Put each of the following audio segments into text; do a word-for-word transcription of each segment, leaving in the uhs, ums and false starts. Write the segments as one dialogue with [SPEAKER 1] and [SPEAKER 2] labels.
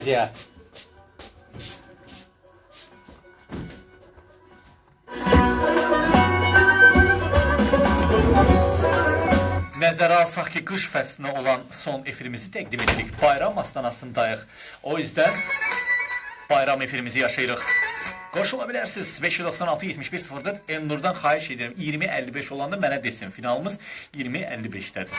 [SPEAKER 1] Ya. Nəzərə alsaq ki, qış fəslinə olan son efirimizi təqdim edirik. Bayram astanasındayıq. O yüzden bayram efirimizi yaşayırıq. Qoşula bilərsiniz. beş yüz doxsan altı yetmiş bir sıfırdır. Elnur'dan xahiş edirəm. iyirmi əlli beş olanda mənə desin. Finalımız iyirmi əlli beşdədir.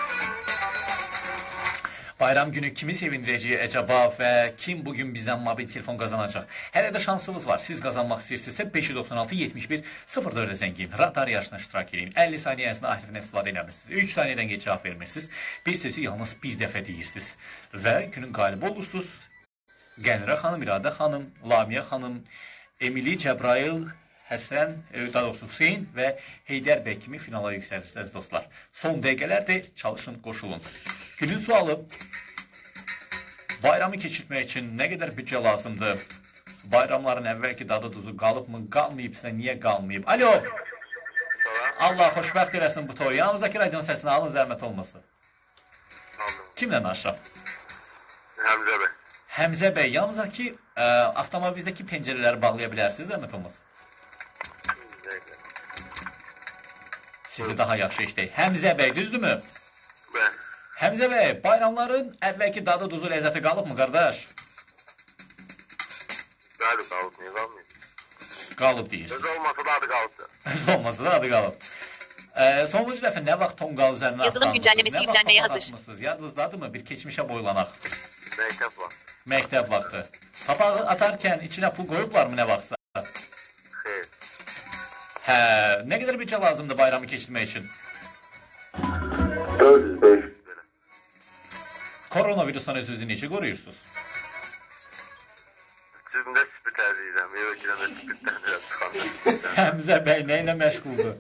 [SPEAKER 1] Bayram günü kimi sevindirəcək əcəba və kim bugün bizdən mobil telefon qazanacaq? Hələ də şansınız var. Siz qazanmaq istəyirsinizsə beş yüz doxsan altı yetmiş bir sıfır dördə zəng edin. Radar yarışına iştirak edin. əlli saniyə ərzində ahirindən istifadə eləmirsiniz. üç saniyədən geç cavab vermirsiniz. Bir sözü yalnız bir dəfə deyirsiniz. Və günün qalibi olursunuz. Qənirə xanım, İradə xanım, Lamiyə xanım, Emili, Cəbrail, Həsən, daha doğrusu Hüseyin və Heydər bəy kimi finala yüksəlirsiniz dostlar. Son dəqiqələrdir, çalışın, qoşulun. Günün sualı, bayramı keçirmək üçün nə qədər büdcə lazımdır? Bayramların əvvəlki dadı duzu qalıb mı, qalmayıbsa niyə qalmayıb? Alo! Allah xoşbəxt eləsin bu toyu. Yanınızdakı radion səsini alın, zəhmət olmasın. Kimlə danışaq?
[SPEAKER 2] Həmzə bəy.
[SPEAKER 1] Həmzə bəy, yalnızdakı ə, avtomobildəki pəncərələri bağlaya bilərsiniz, zəhmət olmasın. Sizi daha yaxşı işləyək. Həmzə bəy, düzdürmü?
[SPEAKER 2] Bəli.
[SPEAKER 1] Həmzə bəy, bayramların əvvəlki dadı duzu ləzzəti qalıb mı, qardaş?
[SPEAKER 2] Bəli, qalıb, niyə qalmayıb?
[SPEAKER 1] Qalıb deyir.
[SPEAKER 2] Öz olmasa da adı qalıbdır.
[SPEAKER 1] Öz olmasa da adı qalıb. Ee, sonuncu dəfə nə vaxt tonqal üzərinə
[SPEAKER 3] Yazılım güncellemesi yüklenmeye hazır.
[SPEAKER 1] Yadınızdadırmı? Bir keçmişə boylanaq.
[SPEAKER 2] Məktəb var.
[SPEAKER 1] Məktəb vaxtı. Papağı atarkən içinə pul qoyublarmı nə vaxtsa?
[SPEAKER 2] Xeyr.
[SPEAKER 1] Hə, nə qədər büdcə lazımdır bayramı keçirmək üçün?
[SPEAKER 2] dörd yüz beş yüz belə.
[SPEAKER 1] Koronavirusdan öz-özünü necə qoruyursunuz?
[SPEAKER 2] Cüzümdə spit əzizəm. Evə girəndə spitdən biraz çıxandır.
[SPEAKER 1] Həmzə bəy nə ilə məşğuldur?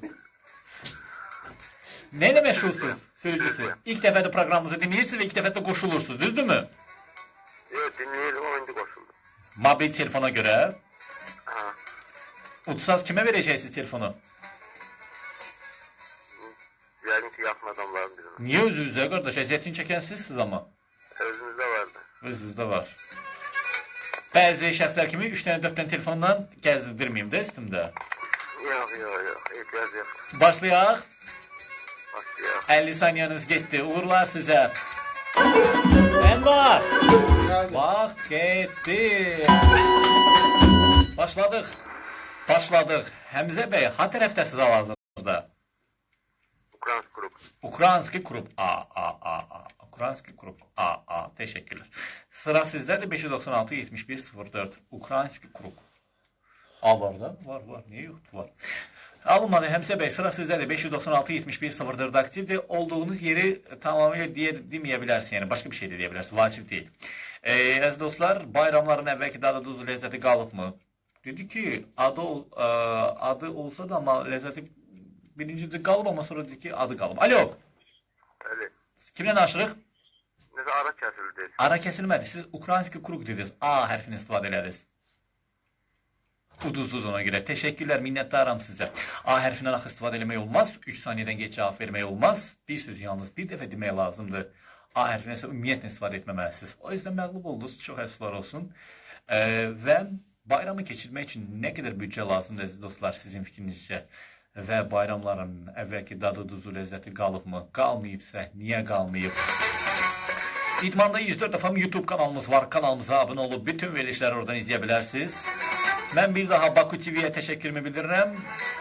[SPEAKER 1] Nə ilə məşğulsuz, sürücüsü? İlk dəfədə proqramımızı dinləyirsiniz və ilk dəfədə qoşulursunuz, düzdürmü?
[SPEAKER 2] Yox, dinləyirəm, o indi qoşuldu.
[SPEAKER 1] Mobil telefona görə
[SPEAKER 2] Ha.
[SPEAKER 1] utsaz kimə verəcəksiniz telefonu?
[SPEAKER 2] Yəqin ki, yaxın adamların birinə.
[SPEAKER 1] Niyə özünüzə, qardaş? Əziyyətini çəkən sizsiniz amma.
[SPEAKER 2] Özümüzdə vardı.
[SPEAKER 1] Özünüzdə var. Bəzi şəxslər kimi üç dənə, dörd dənə telefondan gəzdirməyim də üstümdə.
[SPEAKER 2] Yox, yox, yox, ehtiyac yox.
[SPEAKER 1] Başlayaq.
[SPEAKER 2] Başlayaq.
[SPEAKER 1] əlli saniyeniz getdi. Uğurlar sizə. Ənvar. Vaxt getdi. Başladıq. Başladıq. Həmzə bəy, ha tərəfdəsiz hal-hazırda?
[SPEAKER 2] Ukrayns qrup.
[SPEAKER 1] Ukraynski qrup. A, A, A, A. Ukraynski qrup. A, A. Təşəkkürlər. Sıra sizdədir. beş yüz doxsan altı yetmiş bir sıfır dörd. Ukraynski qrup. A var da? Var, var. Niyə yoxdur? Var. Alınmadı Həmzə bəy. Sıra sizdədir. beş yüz doxsan altı yetmiş bir sıfır dörd aktivdir. Olduğunuz yeri tamamilə deyə, deməyə bilərsiniz. Yəni, başqa bir şey də deyə bilərsiniz. Vacib deyil. Ee, əziz dostlar, bayramların əvvəlki dadı duzu ləzzəti qalıb mı? Dedi ki, adı, ə, adı olsa da amma ləzzəti birincidə qalıb, amma sonra dedi ki, adı qalıb. Alo!
[SPEAKER 2] Bəli.
[SPEAKER 1] Kimlə danışırıq?
[SPEAKER 2] Necə ara kəsildi?
[SPEAKER 1] Ara kəsilmədi. Siz Ukraynski kruk dediniz. A hərfini istifadə elədiniz. Uduzduz ona görə. Təşəkkürlər, minnətdaram sizə. A hərfindən axı istifadə eləmək olmaz. üç saniyədən geç cavab vermək olmaz. Bir sözü yalnız bir dəfə demək lazımdır. A hərfinə isə ümumiyyətlə istifadə etməməlisiniz. O yüzden məğlub oldunuz. Çox əfsuslar olsun. Ee, və bayramı keçirmək üçün nə qədər büdcə lazımdır əziz dostlar sizin fikrinizcə? Və bayramların əvvəlki dadı duzu ləzzəti qalıbmı? Qalmayıbsa niyə qalmayıb? İdmanda yüz dörd F M YouTube kanalımız var. Kanalımıza abunə olub bütün verilişləri oradan izləyə bilərsiniz. Mən bir daha Baku T V'yə təşəkkürümü bildirirəm.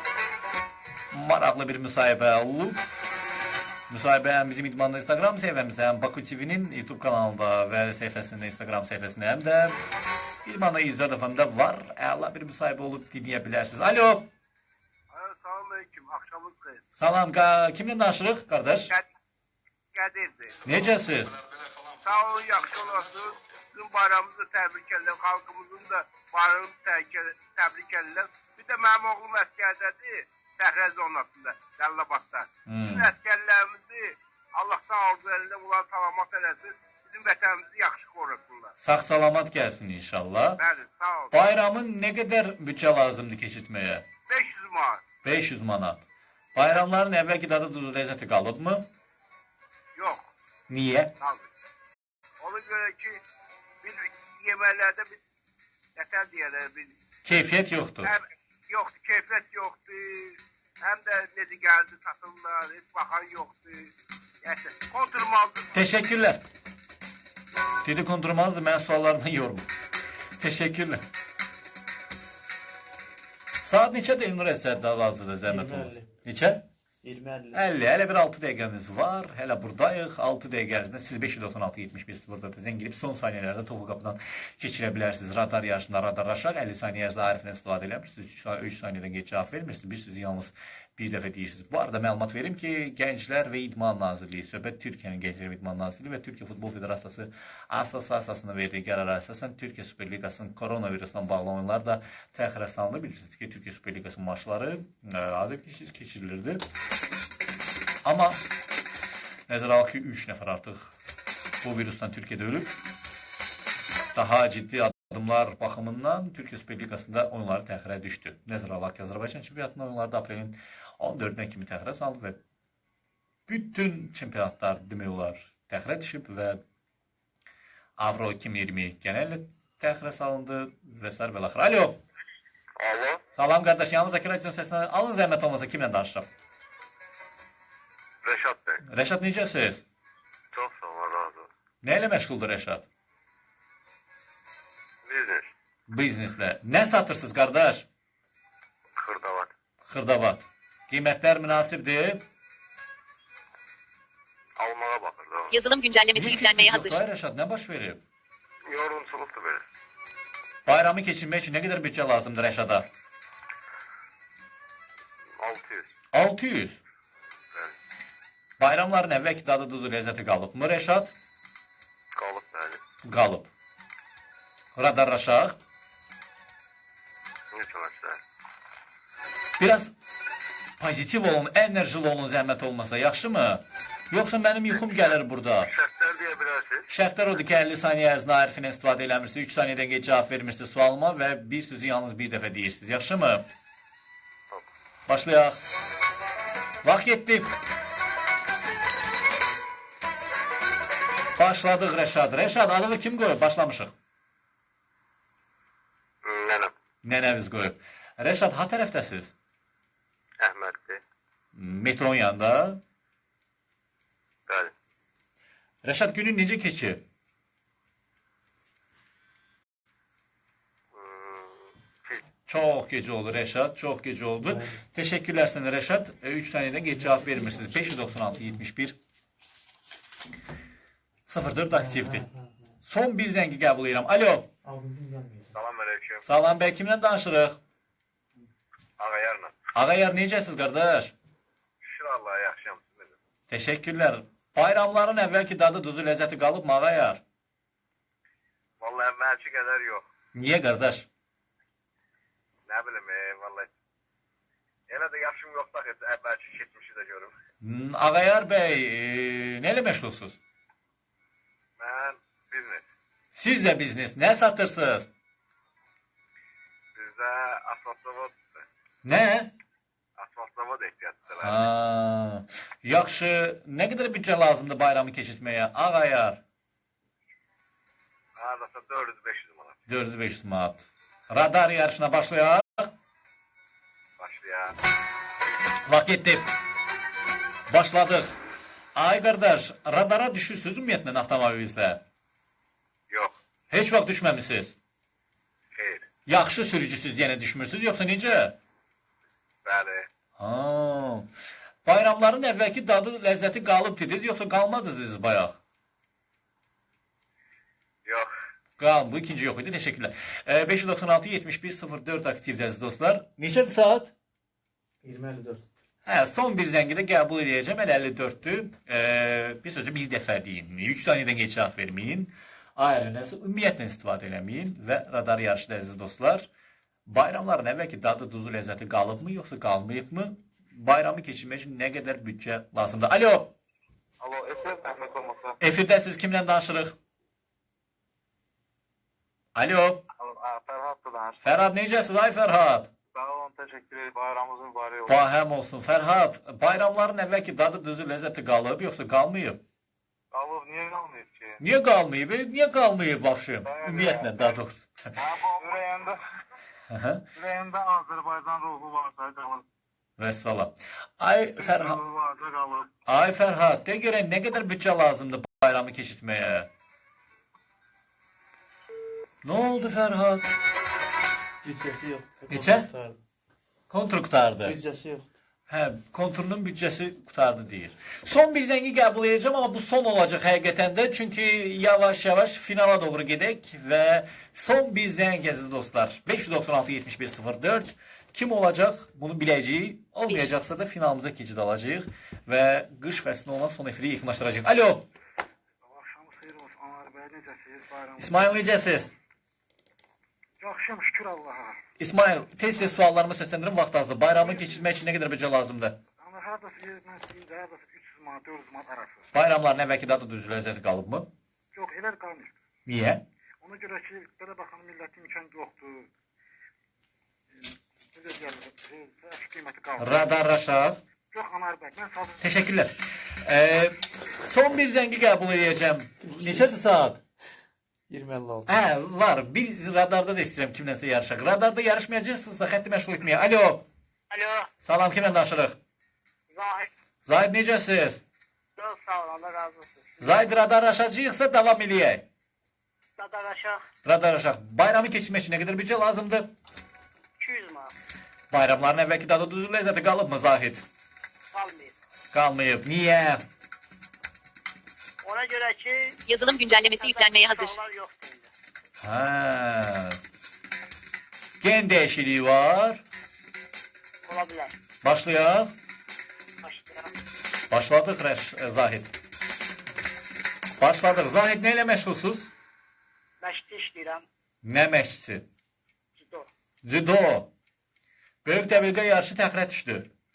[SPEAKER 1] Maraqlı bir müsahibə olub. Müsahibə həm bizim İdmanda Instagram səhifəmizdə, həm Baku T V'nin YouTube kanalında və səhifəsində, Instagram səhifəsində, həm də İdmanda yüz dörd F M'də var. Əla bir müsahibə olub dinləyə bilərsiniz. Alo!
[SPEAKER 2] Salam aleyküm, axşamınız xeyir.
[SPEAKER 1] Salam, kimlə danışırıq, qardaş?
[SPEAKER 2] Qədirdir.
[SPEAKER 1] Necəsiz?
[SPEAKER 2] Sağ olun, yaxşı olasınız. Sizin bayramınızı təbrik edirəm, xalqımızın da bayramını təbrik edirəm. Bir də mənim oğlum əskərdədir, Səhrə zonasında, Cəllabadda.
[SPEAKER 1] Hmm.
[SPEAKER 2] Bütün əskərlərimizi Allahdan arzu edirəm, bunları salamat eləsin. Bizim vətənimizi yaxşı qorusunlar.
[SPEAKER 1] Sağ-salamat gəlsin inşallah.
[SPEAKER 2] Bəli, sağ olun.
[SPEAKER 1] Bayramın nə qədər büdcə lazımdır keçirtməyə?
[SPEAKER 2] beş yüz manat.
[SPEAKER 1] beş yüz manat. Bayramların əvvəlki dadı duzu ləzzəti qalıbmı?
[SPEAKER 2] Yox.
[SPEAKER 1] Niyə?
[SPEAKER 2] Qaldı. Ona görə ki, biz yeməklərdə bir nətər deyərlər, bir
[SPEAKER 1] Keyfiyyət yoxdur.
[SPEAKER 2] həm yoxdur, keyfiyyət yoxdur. Həm də necə gəldi satırlar, heç baxan yoxdur. Yəni konturmazdır.
[SPEAKER 1] Teşekkürler. Dedi kondurmazdı, mən suallarından yormum. Teşekkürler. Saat neçədir Elnur Əsərdə hal-hazırda zəhmət
[SPEAKER 3] iyirmi
[SPEAKER 1] olmaz?
[SPEAKER 3] əlli.
[SPEAKER 1] Neçə?
[SPEAKER 3] iyirmi əlli.
[SPEAKER 1] əlli. Hələ bir altı dəqiqəmiz var. Hələ buradayıq. altı dəqiqə ərzində siz beş doxsan altı yetmiş bir sıfır dörd zəng girib son saniyələrdə topu qapıdan keçirə bilərsiniz. Radar yarışında radar aşağı əlli saniyə ərzində Arifdən istifadə eləmirsiniz. üç saniyədən geç cavab vermirsiniz. Bir sözü yalnız bir dəfə deyirsiniz. Bu arada məlumat verim ki, Gənclər və İdman Nazirliyi, söhbət Türkiyənin Gənclər və İdman Nazirliyi və Türkiyə Futbol Federasiyası Assosiasiyasının verdiyi qərara əsasən Türkiyə Süper Liqasının koronavirusla bağlı oyunlar da təxirə salındı. Bilirsiniz ki, Türkiyə Süper Liqasının maçları azərkeşsiz keçirilirdi. Amma nəzərə alaq ki, üç nəfər artıq bu virusdan Türkiyədə ölüb. Daha ciddi adımlar baxımından Türkiyə Süper Liqasında oyunları təxirə düşdü. Nəzərə alaq ki, Azərbaycan çempionatının oyunları da aprelin on dördünə kimi təxirə salındı və bütün çempionatlar demək olar təxirə düşüb və Avro iki min iyirmi genəllə təxirə salındı və s. və axır. Alo.
[SPEAKER 2] Alo.
[SPEAKER 1] Salam qardaş, yanımızdakı radio səsindən alın zəhmət olmasa kimlə danışıram?
[SPEAKER 2] Rəşad bəy.
[SPEAKER 1] Rəşad necəsiz?
[SPEAKER 2] Çox sağ ol, razı ol.
[SPEAKER 1] Nə ilə məşğuldur Rəşad?
[SPEAKER 2] Biznes.
[SPEAKER 1] Bizneslə. Nə satırsınız qardaş?
[SPEAKER 2] Xırdavat.
[SPEAKER 1] Xırdavat. Qiymətlər münasibdir.
[SPEAKER 2] Almağa baxır da.
[SPEAKER 4] Yazılım güncellemesi yüklenmeye hazır.
[SPEAKER 1] Hayır Rəşad, nə baş verib?
[SPEAKER 2] Yorumçuluqdur belə.
[SPEAKER 1] Bayramı keçirmək üçün nə qədər büdcə lazımdır Rəşada?
[SPEAKER 2] altı yüz.
[SPEAKER 1] altı yüz. Bayramların əvvəlki dadı duzu ləzzəti qalıbmı Rəşad?
[SPEAKER 2] Qalıb bəli.
[SPEAKER 1] Qalıb. Radar aşağı.
[SPEAKER 2] Ne çalışlar?
[SPEAKER 1] Biraz pozitiv olun, enerjili olun zəhmət olmasa, yaxşımı? Yoxsa mənim yuxum gəlir burada.
[SPEAKER 2] Şərtlər deyə bilərsiniz.
[SPEAKER 1] Şərtlər odur ki, əlli saniyə ərzində Arifindən istifadə eləmirsiniz, üç saniyədən geç cavab vermirsiniz sualıma və bir sözü yalnız bir dəfə deyirsiniz. Yaxşımı? Başlayaq. Vaxt getdi. Başladıq Rəşad. Rəşad, adığı kim qoyub? Başlamışıq.
[SPEAKER 2] Nənəm.
[SPEAKER 1] Nənəviz qoyub. Rəşad, ha tərəfdəsiz?
[SPEAKER 2] Əhməddir.
[SPEAKER 1] Metron yanında.
[SPEAKER 2] Bəli.
[SPEAKER 1] Rəşad, günün necə keçib? Çox gecə oldu Rəşad, çox gecə oldu. Təşəkkürlər sənə Rəşad. üç saniyədən geç cavab vermirsiniz. beş doxsan altı yetmiş bir sıfır dörd aktivdir. Son bir zəngi qəbul edirəm. Alo.
[SPEAKER 2] Salam aleyküm.
[SPEAKER 1] Salam bəy, kimlə danışırıq?
[SPEAKER 2] Ağayarla.
[SPEAKER 1] Ağayar, necəsiz qardaş?
[SPEAKER 2] Şükür Allah'a yaxşıyam.
[SPEAKER 1] Təşəkkürlər. Bayramların əvvəlki dadı, duzu, ləzzəti qalıbmı Ağayar?
[SPEAKER 2] Vallahi əvvəlki qədər yox.
[SPEAKER 1] Niyə qardaş?
[SPEAKER 2] Nə bilim, e, vallahi. Elə də yaşım yoxdur ki, əvvəlki keçmişi də görüm.
[SPEAKER 1] Hmm, Ağayar bəy, e, nə ilə məşğulsuz?
[SPEAKER 2] Mən biznes.
[SPEAKER 1] Siz də biznes, nə satırsınız?
[SPEAKER 2] Bizdə asfalt zavoddur.
[SPEAKER 1] Nə?
[SPEAKER 2] Asfalt zavod ehtiyatdır.
[SPEAKER 1] Ha, yaxşı, nə qədər büdcə lazımdır bayramı keçirtməyə? Ağayar,
[SPEAKER 2] Hardasa dörd yüz beş yüz manat.
[SPEAKER 1] dörd yüz beş yüz manat. Radar yarışına başlayaq.
[SPEAKER 2] Başlayaq.
[SPEAKER 1] Vaxt getdi. Başladıq. Ay qardaş, radara düşürsünüz ümumiyyətlə avtomobilinizlə?
[SPEAKER 2] Yox.
[SPEAKER 1] Heç vaxt düşməmisiniz?
[SPEAKER 2] Xeyr.
[SPEAKER 1] Yaxşı sürücüsüz yenə düşmürsünüz, yoxsa necə?
[SPEAKER 2] Bəli.
[SPEAKER 1] Ha. Bayramların əvvəlki dadı, ləzzəti qalıb dediniz, yoxsa qalmadınız bayaq?
[SPEAKER 2] Yox.
[SPEAKER 1] Qalın, bu ikinci yox idi, təşəkkürlər. E, beş doxsan altı yetmiş bir sıfır dörd aktivdir əziz dostlar. Neçədir saat?
[SPEAKER 3] iyirmi əlli dörd.
[SPEAKER 1] Hə, son bir zəngi də qəbul edəcəm, elə əlli dörddür. E, bir sözü bir dəfə deyin, üç saniyədən geç cavab verməyin. Ayrınəsə ümumiyyətlə istifadə eləməyin və radar yarışda əziz dostlar. Bayramların əvvəlki dadı, duzu, ləzzəti qalıbmı, yoxsa qalmayıbmı? Bayramı keçirmək üçün nə qədər büdcə lazımdır? Alo,
[SPEAKER 2] Alo, efir zəhmət olmasa.
[SPEAKER 1] efirdə siz kimlə danışırıq? Alo,
[SPEAKER 2] Fərhaddır danış.
[SPEAKER 1] Fərhad necəsiz? Ay Fərhad.
[SPEAKER 2] Sağ olun, təşəkkür ederim. Bayramınız mübarək olsun.
[SPEAKER 1] Bahəm olsun. Fərhad, bayramların əvvəlki dadı, düzü, ləzzəti qalıb, yoxsa qalmayıb?
[SPEAKER 4] Qalıb, niyə qalmayıb ki?
[SPEAKER 1] Niyə qalmayıb? e? Niyə qalmayıb başım?
[SPEAKER 4] Bəli.
[SPEAKER 1] Ümumiyyətlə daha doğrusu.
[SPEAKER 4] Ha, bu ürəyində,
[SPEAKER 1] Aha.
[SPEAKER 4] ürəyində Azərbaycan ruhu varsa qalıb.
[SPEAKER 1] Vəssalam. Ay Fərhad,
[SPEAKER 4] Ruhu varsa qalıb.
[SPEAKER 1] ay Fərhad, de görək nə qədər büdcə lazımdır bayramı keçirtməyə? Nə oldu Fərhad?
[SPEAKER 3] Büdcəsi yox.
[SPEAKER 1] Neçə?
[SPEAKER 3] Qurtardı.
[SPEAKER 1] Kontr qutardı.
[SPEAKER 3] Büdcəsi yox.
[SPEAKER 1] Hə, konturunun büdcəsi qutardı deyir. Son bir zəngi qəbul edəcəm, amma bu son olacaq həqiqətən də. Çünki yavaş-yavaş finala doğru gedək və son bir zəng əziz dostlar. beş yüz doxsan altı yetmiş bir sıfır dörd. Kim olacaq? Bunu biləcəyik. Olmayacaqsa da finalımıza keçid alacağıq və qış fəslinə olan son efiri yaxınlaşdıracağıq. Alo,
[SPEAKER 4] Axşamı xeyir olsun. Anar bəy, necəsiniz? Bayram.
[SPEAKER 1] İsmail necəsiz?
[SPEAKER 4] Yaxşıyam, şükür Allaha.
[SPEAKER 1] İsmail, tez-tez suallarımı səsləndirin, vaxt azdır. Bayramı keçirmək üçün nə qədər büdcə lazımdır?
[SPEAKER 4] Ana hardasa yerdən istəyim də, hardasa üç yüz manat, dörd yüz manat arası.
[SPEAKER 1] Bayramların əvvəlki dadı düzüləcəsi qalıbmı?
[SPEAKER 4] Yox, elə qalmır.
[SPEAKER 1] Niyə?
[SPEAKER 4] Ona görə ki, belə baxın, millətin imkan yoxdur. Necə deyirlər, əşk qiyməti qalır.
[SPEAKER 1] Radar Raşad.
[SPEAKER 4] Yox, Anar bəy, mən sağ
[SPEAKER 1] Təşəkkürlər. Ee, son bir zəngi qəbul edəcəm. Neçədir saat?
[SPEAKER 3] iyirmi əlli altı.
[SPEAKER 1] Hə, var. Bir radarda da istəyirəm kimlənsə yarışaq. Radarda yarışmayacaqsınızsa xətti məşğul etməyə. Alo.
[SPEAKER 2] Alo,
[SPEAKER 1] Salam, kimlə danışırıq?
[SPEAKER 2] Zahid.
[SPEAKER 1] Zahid necəsiz?
[SPEAKER 2] Çox sağ olun, Allah razı olsun.
[SPEAKER 1] Zahid radar aşacağıqsa davam eləyək.
[SPEAKER 2] Dadaraşaq
[SPEAKER 1] Radar aşaq. Bayramı keçirmək üçün nə qədər büdcə lazımdır?
[SPEAKER 2] iki yüz manat
[SPEAKER 1] Bayramların əvvəlki dadı düzüləcəsi qalıbmı Zahid?
[SPEAKER 2] qalmayıb.
[SPEAKER 1] Qalmayıb. Niyə?
[SPEAKER 2] Ona görə ki,
[SPEAKER 5] Yazılım güncellemesi yüklenmeye hazır.
[SPEAKER 2] insanlar yoxdur indi.
[SPEAKER 1] Hə. Gen dəyişikliyi var.
[SPEAKER 2] Ola bilər.
[SPEAKER 1] Başlayaq.
[SPEAKER 2] Başlayaq.
[SPEAKER 1] Başladıq Rəş e, Zahid. Başladıq. Zahid nə ilə məşğulsuz?
[SPEAKER 2] Məşqdə işləyirəm.
[SPEAKER 1] Nə məşqçisi?
[SPEAKER 2] Judo.
[SPEAKER 1] Judo. Böyük dəbilqə yarışı təxirə düşdü.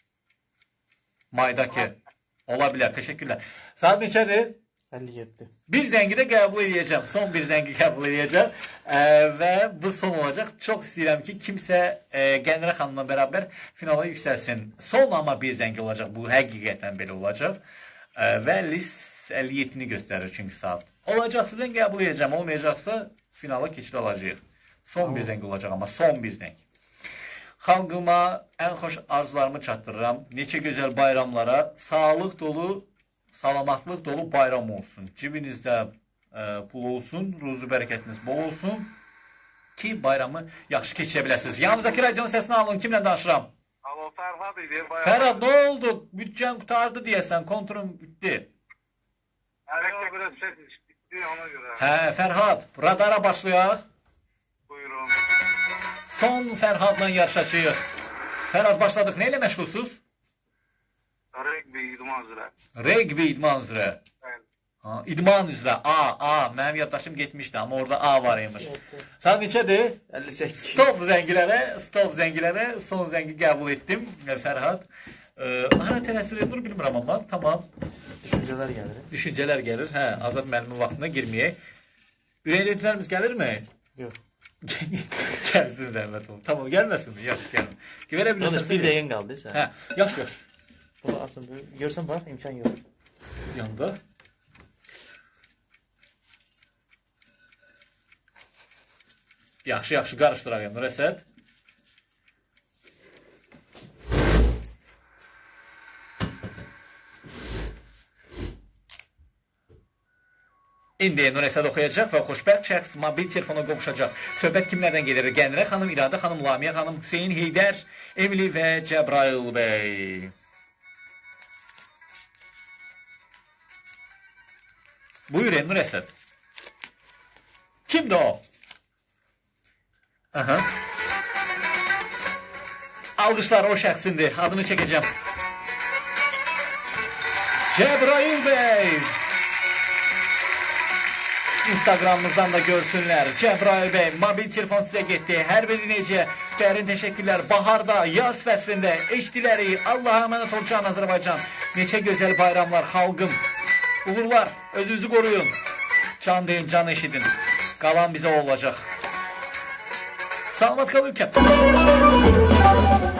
[SPEAKER 1] Maydakı. Ola bilər. Təşəkkürlər. Saat neçədir?
[SPEAKER 3] əlli yeddi.
[SPEAKER 1] Bir zəngi də qəbul edəcəm. Son bir zəngi qəbul edəcəm. E, və bu son olacaq. Çox istəyirəm ki, kimsə e, Qənirə xanımla bərabər finala yüksəlsin. Son amma bir zəngi olacaq. Bu həqiqətən belə olacaq. E, və list əlli yeddini göstərir çünki saat. Olacaqsa zəng qəbul edəcəm. Olmayacaqsa finala keçid alacağıq. Son bir zəng olacaq amma son bir zəng. Xalqıma ən xoş arzularımı çatdırıram. Neçə gözəl bayramlara, sağlıq dolu, salamatlıq dolu bayram olsun. Cibinizdə e, pul olsun, ruzu bərəkətiniz bol olsun ki, bayramı yaxşı keçirə biləsiniz. Yanınızdakı radionun səsini alın. Kimlə danışıram?
[SPEAKER 4] Alo, Fərhad idi. bayram.
[SPEAKER 1] Fərhad, nə oldu? Büdcən qutardı deyəsən, konturun bitdi.
[SPEAKER 4] Alo, biraz ses bitdi ona görə.
[SPEAKER 1] Hə, Fərhad, radara başlayaq.
[SPEAKER 4] Buyurun.
[SPEAKER 1] Son Fərhadla yarışacağıq. Fərhad, başladıq. Nə ilə məşğulsuz?
[SPEAKER 4] Rəqbi idman üzrə.
[SPEAKER 1] Regbi idman üzrə.
[SPEAKER 4] Bəli.
[SPEAKER 1] Ha, idman üzrə. A, A. Mənim yaddaşım getmişdi, amma orada A var imiş. Saat neçədir?
[SPEAKER 3] əlli səkkiz.
[SPEAKER 1] Stop zəngilərə, stop zəngilərə son zəngi qəbul etdim. Fərhad. E, hara tələsir edir bilmirəm amma. Tamam.
[SPEAKER 3] Düşüncələr gəlir.
[SPEAKER 1] Düşüncələr gəlir. Hə, Azad müəllimin vaxtına girməyək. Ürəklilərimiz gəlirmi?
[SPEAKER 3] Yox.
[SPEAKER 1] Gəlsin zəhmət olun. Tamam, gəlməsin mi? Yaxşı, gəlin. Verə
[SPEAKER 3] Yalnız
[SPEAKER 1] bilirsən.
[SPEAKER 3] bir dəqiqən qaldı sən.
[SPEAKER 1] Hə, yaxşı, yaxşı.
[SPEAKER 3] Bunu asın. Görsən bax, imkan yox.
[SPEAKER 1] Yanında. Yaxşı, yaxşı qarışdıraq Nur Əsəd. İndi Nur Əsəd oxuyacaq və xoşbəxt şəxs mobil telefona qovuşacaq. Söhbət kimlərdən gedir? Qənirə xanım, İradə xanım, Lamiyə xanım, Hüseyin Heydər, Emili və Cəbrail bəy. Buyurun Nur Əsəd. Kimdir o? Aha. Alqışlar o şəxsindir. Adını çəkəcəm. Cəbrail bəy. Instagramımızdan da görsünlər. Cəbrail bəy, mobil telefon sizə getdi. Hər biri necə? Dərin təşəkkürlər. Baharda, yaz fəslində eşdiləri. Allah'a əmanət ol can Azərbaycan. Neçə gözəl bayramlar xalqım. Uğurlar, özünüzü qoruyun. Can deyin, can eşidin. Qalan bizə olacaq. Salamat qal ülkəm.